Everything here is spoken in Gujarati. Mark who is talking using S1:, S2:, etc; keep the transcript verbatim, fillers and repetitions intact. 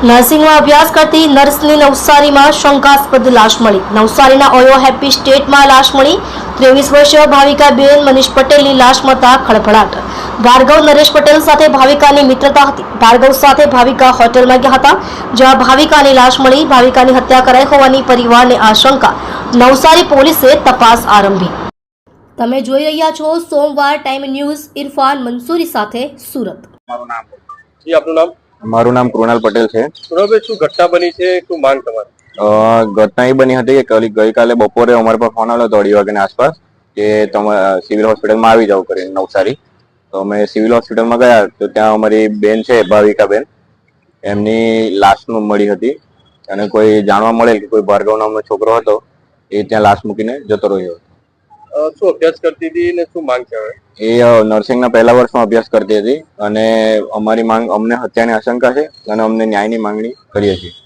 S1: નર્સિંગમાં અભ્યાસ કરતી નર્સની નવસારીમાં શંકાસ્પદ લાશ મળી. નવસારીના ઓયો હેપી સ્ટેટમાં લાશ મળી. ત્રેવીસ વર્ષીય ભાવિકાબેન મનીષ પટેલની લાશ મળતા ખળભળાટ. ભાર્ગવ નરેશ પટેલ સાથે ભાવિકાની મિત્રતા હતી. ભાર્ગવ સાથે ભાવિકા હોટેલમાં ગયા હતા, જ્યાં ભાવિકાની લાશ મળી. ભાવિકાની હત્યા કરાઈ હોવાની પરિવારને આશંકા. નવસારી પોલીસે તપાસ આરંભી. તમે જોઈ રહ્યા છો સોમવાર ટાઈમ ન્યૂઝ. ઇરફાન મંસૂરી સાથે સુરત.
S2: મારું નામ જી આપનું નામ?
S3: મારું નામ કૃણાલ પટેલ છે.
S2: કૃણાલભાઈ, શું ઘટના બની છે? શું માંગ તમારી?
S3: ઘટના એ બની હતી કે ગઈકાલે બપોરે અમારા પર ફોન આવ્યો હતો અઢી વાગ્યાની આસપાસ કે તમે સિવિલ હોસ્પિટલમાં આવી જાવ કરીને નવસારી. તો અમે સિવિલ હોસ્પિટલમાં ગયા તો ત્યાં અમારી બેન છે ભાવિકાબેન, એમની લાશ મળી હતી અને કોઈ જાણવા મળેલ કે કોઈ ભાર્ગવ નામનો છોકરો હતો એ ત્યાં લાશ મૂકીને જતો રહ્યો હતો.
S2: શું અભ્યાસ કરતી હતી ને શું માંગ છે?
S3: એ નર્સિંગના પહેલા વર્ષમાં અભ્યાસ કરતી હતી અને અમારી માંગ, અમને હત્યાની આશંકા છે અને અમને ન્યાયની માંગણી કરીએ છીએ.